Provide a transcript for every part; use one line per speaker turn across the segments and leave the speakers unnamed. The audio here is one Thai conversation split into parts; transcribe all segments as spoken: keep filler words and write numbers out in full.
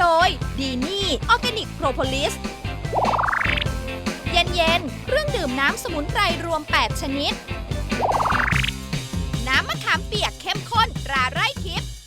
ดยดีนี่ออร์แกนิกโพรโพลิสเย็นๆเครื่องดื่มน้ำสมุนไพรรวมแปดชนิดน้ำมะขามเปียกเข้มข้นตราไร่ทิพย์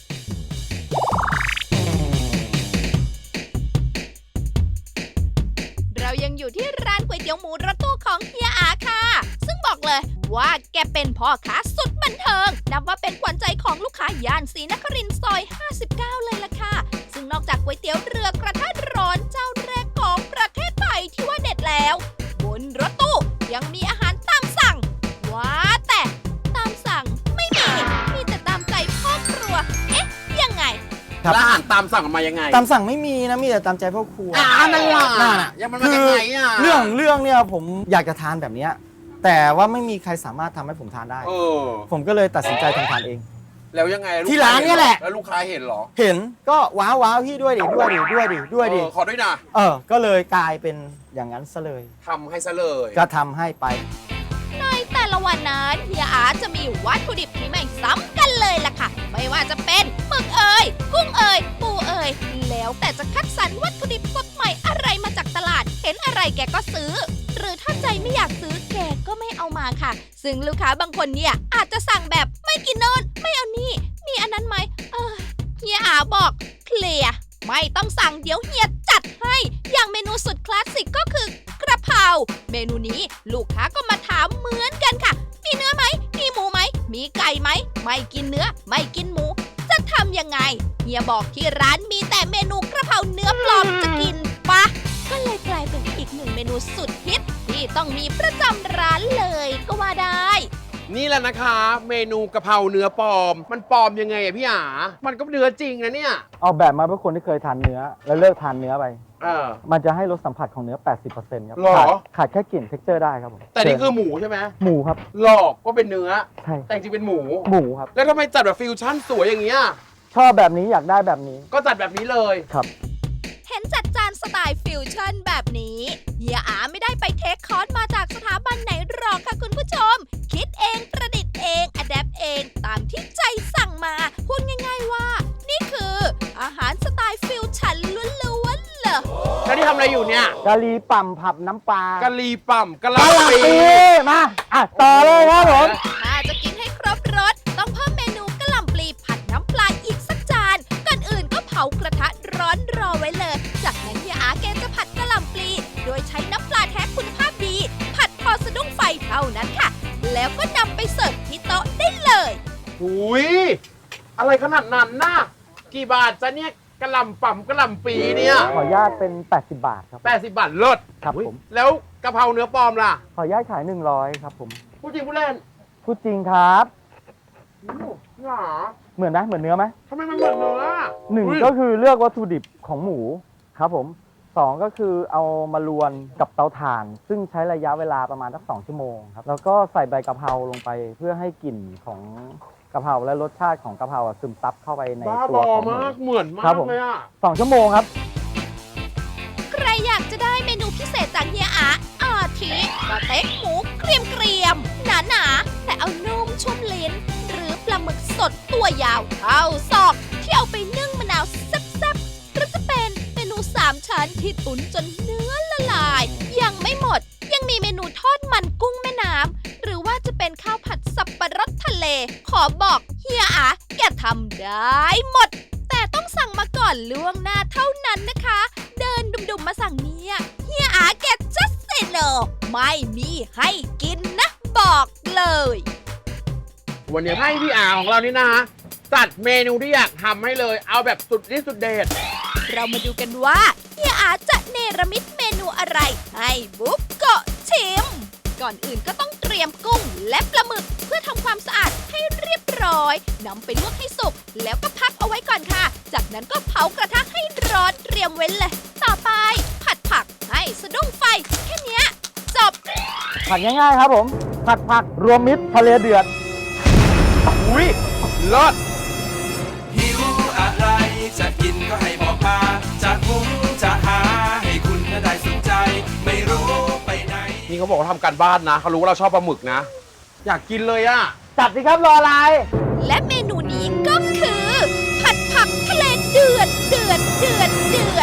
เรายังอยู่ที่ร้านก๋วยเตี๋ยวหมูรถตู้ของเฮียอาค่ะซึ่งบอกเลยว่าแกเป็นพ่อค้าสุดบันเทิงนับว่าเป็นขวัญใจของลูกค้าย่านศรีนครินทร์ซอยห้าสิบเก้าเลยล่ะค่ะซึ่งนอกจากก๋วยเตี๋ยวเรือกระทะร้อนเจ้าแรกของประเทศไทยที่ว่าเด็ดแล้วบนรถตู้ยังมีอาหารตามสั่งว้าแต่ตามสั่งไม่มีมีแต่ตามใจพ่อครัวเอ๊ะยังไง
แล้วอาหารตามสั่งมายังไง
ตามสั่งไม่มีนะมีแต่ตามใจพ่อครัว
อ่านั่นแหละ
นั่นน่ะ
ยังมันมาจากไหนอ่ะ
เรื่องเรื่องเนี่ยผมอยากจะทานแบบเนี้ยแต่ว่าไม่มีใครสามารถทำให้ผมทานได้
เออ
ผมก็เลยตัดสินใจทำทานเอง
แล้วยังไง
ที่ร้านเนี่ยแหละ
แล้วลูกค้าเห็นเหรอ
เห็นก็ว้าวว้าวพี่ด้วยดิด้วยดิด้วยดิด้วยดิ
เออขอด้วยนะ
เออก็เลยกลายเป็นอย่างนั้นซะเลย
ทำให้ซะเลย
ก็ทำให้ไป
ในแต่ละวันนั้นเฮียอาจะมีวัตถุดิบที่ไม่ซ้ำกันเลยล่ะค่ะไม่ว่าจะเป็นหมึกเอ่ยกุ้งเอ่ยปูเอ่ยแล้วแต่จะคัดสรรวัตถุดิบสดใหม่อะไรมาจากตลาดเห็นอะไรแกก็ซื้อหรือถ้าใจไม่อยากซื้อแกก็ไม่เอามาค่ะซึ่งลูกค้าบางคนเนี่ยอาจจะสั่งแบบไม่กินโน่นไม่เอานี่มีอันนั้นไหมเออเฮียอาบอกเคลียร์ไม่ต้องสั่งเดี๋ยวเฮียจัดให้อย่างเมนูสุดคลาสสิกก็คือกระเพราเมนูนี้ลูกค้าก็มาถามเหมือนกันค่ะมีเนื้อไหมมีหมูไหมมีไก่ไหมไม่กินเนื้อไม่กินหมูจะทำยังไงเฮียบอกที่ร้านมีแต่เมนูกระเพราเนื้อปลอมจะกินปะก็เลยกลายเป็นอีกหนึ่งเมนูสุดฮิตที่ต้องมีประจำร้านเลยก็ว่าได้
นี่แหละนะคะ เมนูกะเพราเนื้อปลอม มันปลอมยังไงอะพี่อามันก็เนื้อจริงนะเนี่ย
เอาแบบมาเพื่อคนที่เคยทานเนื้อแล้วเลิกทานเนื้อไป
เออ
มันจะให้รสสัมผัสของเนื้อ แปดสิบเปอร์เซ็นต์ ครับ
หรอ
ขาดขาดแค่กลิ่น เท็กเจอร์ ได้ครับผม
แต่นี่คือหมูใช่ไหม
หมูครับ
หลอกว่าเป็นเนื้อ
ใช่
แต่จริงเป็นหมู
หมูครับ
แล้วทำไมจัดแบบฟิวชั่นสวยอย่างเงี้ย
ชอบแบบนี้อยากได้แบบนี้
ก็จัดแบบนี้เลย
ครับ
เห็นจัดจานสไตล์ฟิวชั่นแบบนี้เฮียอาไม่ได้ไปเทคคอร์สมาจากสถาบันไหนหรอกค่ะคุณผู้ชมคิดเองประดิษฐ์เองอะแดปเองตามที่ใจสั่งมาพูดง่ายๆว่านี่คืออาหารสไตล์ฟิวชั่นล้วนๆเลย
แล้วที่ทำอะไรอยู่เนี่ย
กะหรี่ปั่มผับน้ำปลาก
ะหรี่ปั่มกะห
กะ
ล่ำ
หล่ำ
ปี
ปีมาอ่ะต่อเลยครับผม
ถ้าจะกินให้ครบรสต้องเพิ่มเมนูกะหล่ำปลีผัดน้ำปลาอีกสักจานก่อนอื่นก็เผากระทะร้อนรอไว้เลยจากนั้นเฮียอาแกจะผัดกะหล่ำปลีโดยใช้น้ำปลาแท้คุณภาพดีผัดพอสะดุ้งไฟเท่านั้นค่ะแล้วก็นำไปเสิร์ฟที่โต๊ะได้เลย
หุยอะไรขนาดนั้นน่ะกี่บาทจะเนี่ยกะหล่ำปั่มกะหล่ำปีเนี่ย
ขออนุญาตเป็น แปดสิบบาทครับ
แปดสิบบาทเลิศ
ครับผม
แล้วกะเพราเนื้อปลอมล่ะ
ขออนุญาตขายหนึ่งร้อยครับผม
พูดจริงพูดเล่น
พูดจริงครับ
หรอ
เหมือนไหมเหมือนเนื้อไหม
ทำไมมันเหมือนเนื้อ
หนึ่ง
อุ๊ย
ก็คือเลือกวัตถุดิบของหมูครับผมสองก็คือเอามาลวนกับเตาถ่าน ซึ่งใช้ระยะเวลาประมาณสักสองชั่วโมงครับแล้วก็ใส่ใบกะเพราลงไปเพื่อให้กลิ่นของกะเพราและรสชาติของกะเพราอะซึมซับเข้าไปใน
บ้า
ตั
บ
ว
อ
ของหมู
มากเหมือนมา
ครั
ก
บผม
เลยอ่ะ
สองชั่วโมงครับ
ใครอยากจะได้เมนูพิเศษจากเฮียอาอาทิสเต็กหมูเกรียมเกรียมหนาหนาๆแต่เอานุ่มชุ่มลิ้น หรือปลาหมึกสดตัวยาวเท่าศอกที่เอาไปนึ่งมะนาวแซ่บๆหรือจะเป็นเมนูสามชั้นที่ตุ๋นจนเนื้อละลาย ยังไม่หมดยังมีเมนูทอดมันกุ้งแม่น้ำหรือว่าจะเป็นข้าวผัดสับปะรดทะเล ขอบอกเฮียอาแกทำได้หมด แต่ต้องสั่งมาก่อนล่วงหน้าเท่านั้นนะคะ เดินดุมๆมาสั่งเนี่ยเฮียอาแก just say no ไม่มีให้กินนะบอกเลย
วันนี้ให้พี่อาของเรานี่นะฮะจัดเมนูที่อยากทำให้เลย เอาแบบสุดที่สุดเด็ด
เรามาดูกันว่าเฮียอาจะเนรมิตเมนูอะไรให้บุ๊กโกะชิม ก่อนอื่นก็ต้องเตรียมกุ้งและปลาหมึกเพื่อทำความสะอาดให้เรียบร้อยนำไปลวกให้สุกแล้วก็พักเอาไว้ก่อนค่ะจากนั้นก็เผากระทะให้ร้อนเตรียมไว้เลยต่อไปผัดผักให้สะดุ้งไฟแค่เนี้ยจบ
ผัดง่ายๆครับผม ผัดผักรวมมิตรทะเลเดือด
อุ้ยเลิศ
หิวอะไรจะกินก็ให้บอกมาจะหุงจะหาให้คุณได้สนใจ ไม่รู้ไปไหน
นี่เขาบอกว่าทำการบ้านนะเขารู้ว่าเราชอบปลาหมึกนะ อยากกินเลยอะ
จัดสิครับรออะไร
และเมนูนี้ก็คือ ผัดผักทะเลเดือดเดือดเดือดเดือด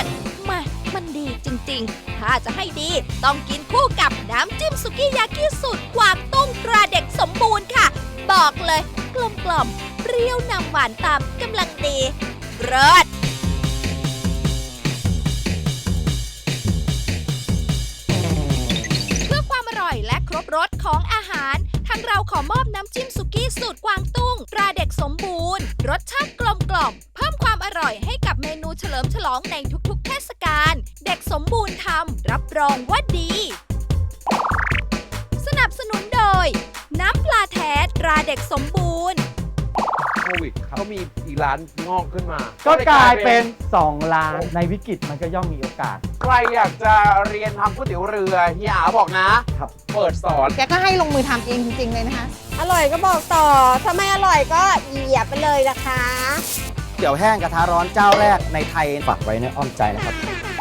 ริงๆ ถ้าจะให้ดีต้องกินคู่กับน้ำจิ้มสุกี้ยากิสูตรกวางตุ้งตราเด็กสมบูรณ์ค่ะ บอกเลยกลมกล่อมๆเปรี้ยวนำหวานตามกำลังดีเลิศเพื่อความอร่อยและครบรสของอาหารทางเราขอมอบน้ำจิ้มสุกี้สูตรกวางตุ้งตราเด็กสมบูรณ์รสชาติกลมกล่อมเพิ่มความอร่อยให้กับเมนูเฉลิมฉลองในทุกๆเทศกาลเด็กสมบูรณ์ทำรับรองว่าดี สนับสนุนโดย น้ำปลาแท้ตราเด็กสมบูรณ์
โควิดเขามีอีกร้านงอกขึ้นมา
ก็กลายเป็นสองล้านในวิกฤตมันก็ย่อมมีโอกาส
ใครอยากจะเรียนทำก๋วยเตี๋ยวเรือเฮียอาบอกนะครับ เปิดสอน
แกก็ให้ลงมือทำเองจริงๆเลยนะคะ
อร่อยก็บอกต่อ ถ้าไม่อร่อยก็เหยียบไปเลยนะคะ
เตี๋ยวแห้งกระทะร้อนเจ้าแรกในไทยฝากไว้ในอ้อมใจนะครับ